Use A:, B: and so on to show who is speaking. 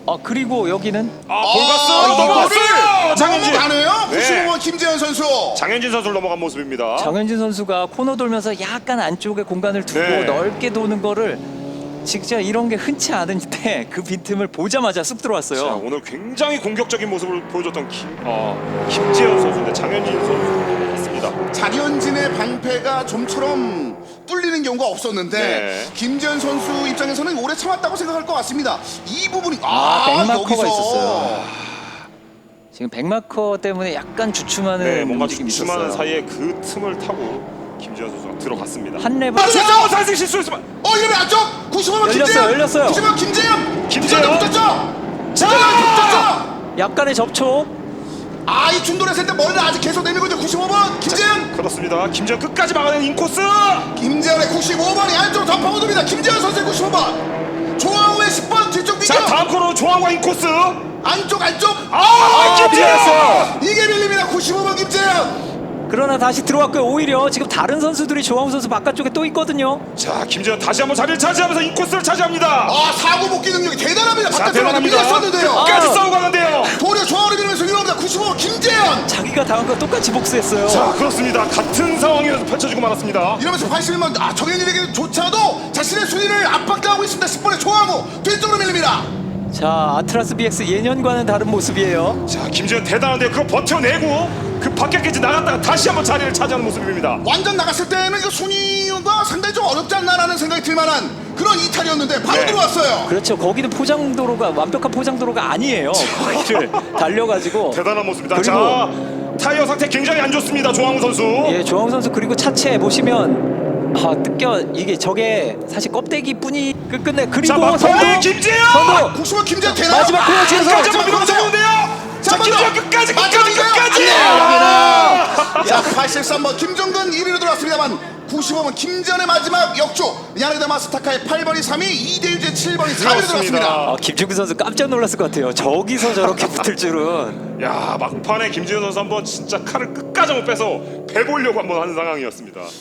A: 그리고 여기는
B: 볼가스 넘어갔어요. 장현진
C: 가네요.
B: 네.
C: 95번 김재현 선수.
B: 장현진 선수를 넘어간 모습입니다.
A: 장현진 선수가 코너 돌면서 약간 안쪽에 공간을 두고
B: 네.
A: 넓게 도는 거를 진짜 이런 게 흔치 않은데 그 빈틈을 보자마자 쑥
B: 자,
A: 들어왔어요.
B: 오늘 굉장히 공격적인 모습을 보여줬던 김재현 선수인데 장현진 선수 같습니다.
C: 장현진의 방패가 좀처럼 뚫리는 경우가 없었는데
B: 네.
C: 김재현 선수 입장에서는 오래 참았다고 생각할 것 같습니다. 이 부분이
A: 백마커가
C: 여기서.
A: 있었어요. 지금 백마커 때문에 약간 주춤하는
B: 네, 뭔가
A: 움직임이
B: 주춤하는
A: 있었어요.
B: 사이에 그 틈을 타고 김재현 선수가 들어갔습니다.
A: 한 랩을
C: 맞았죠?
B: 사실 실수했지만
C: 이러면 안쪽 95번
A: 열렸어요,
C: 김재현.
A: 열렸어요.
C: 95번 김재현.
B: 김재현.
C: 붙었죠.
B: 자!
C: 붙었죠.
A: 약간의 접촉.
C: 이 중돌했을 때 머리를 아직 계속 내밀고 있는 95번 김재현.
B: 그렇습니다. 김재현 끝까지 막아낸 인코스.
C: 김재현의 95번이 안쪽으로 더 파고듭니다. 김재현 선수의 95번. 조항우의 10번 뒤쪽
B: 자,
C: 비교.
B: 다음 코너 조항과 인코스.
C: 안쪽.
B: 김재현.
A: 밀렸어요.
C: 이게 밀립니다. 95번 김재현.
A: 그러나 다시 들어왔고요. 오히려 지금 다른 선수들이 조항우 선수 바깥쪽에 또 있거든요.
B: 자, 김재현 다시 한번 자리를 차지하면서 인코스를 차지합니다.
C: 사고 복귀 능력이 대단합니다.
B: 자,
C: 바깥쪽으로
B: 대단합니다.
C: 밀렸었는데요.
B: 끝까지 싸우고 가는데요.
C: 도리어 조항우를 밀면서 유럽니다. 95번 김재현.
A: 자기가 당한 거 똑같이 복수했어요.
B: 자, 그렇습니다. 같은 상황에서 펼쳐지고 말았습니다.
C: 이러면서 81번 정현일에게조차도 자신의 순위를 압박당하고 있습니다. 10번의 조항우 뒤쪽으로 밀립니다.
A: 자, 아트라스 BX 예년과는 다른 모습이에요.
B: 자, 김재현 대단한데요. 그거 버텨내고 그 밖에까지 나갔다가 다시 한번 자리를 차지하는 모습입니다.
C: 완전 나갔을 때는 이거 순위가 상당히 좀 어렵지 않나라는 생각이 들만한 그런 이탈이었는데 바로
B: 네.
C: 들어왔어요.
A: 그렇죠. 거기는 포장도로가 완벽한 포장도로가 아니에요. 거기를 달려가지고
B: 대단한 모습입니다.
A: 그리고
B: 자, 타이어 상태 굉장히 안 좋습니다. 조항우 선수.
A: 예, 조항우 선수 그리고 차체 보시면 이게 저게 사실 껍데기뿐이 끝내. 그리고
B: 자, 막판에 김재현.
A: 선두
C: 95번 김재현 되나요?
A: 마지막 코너 뒤에서
B: 끝까지 한번 밀어붙였는데요. 자, 김재현 끝까지.
C: 자, 83번 김종근 1위로 들어왔습니다만 95번 김재현의 마지막 역주 야네다 마스타카의 8번이 3위 이대유의 7번이 4위로 들어왔습니다.
A: 김중근 선수 깜짝 놀랐을 것 같아요. 저기서 저렇게 붙을 줄은.
B: 야, 막판에 김재현 선수 한번 진짜 칼을 끝까지 한번 빼서 배보려고 한번 하는 상황이었습니다.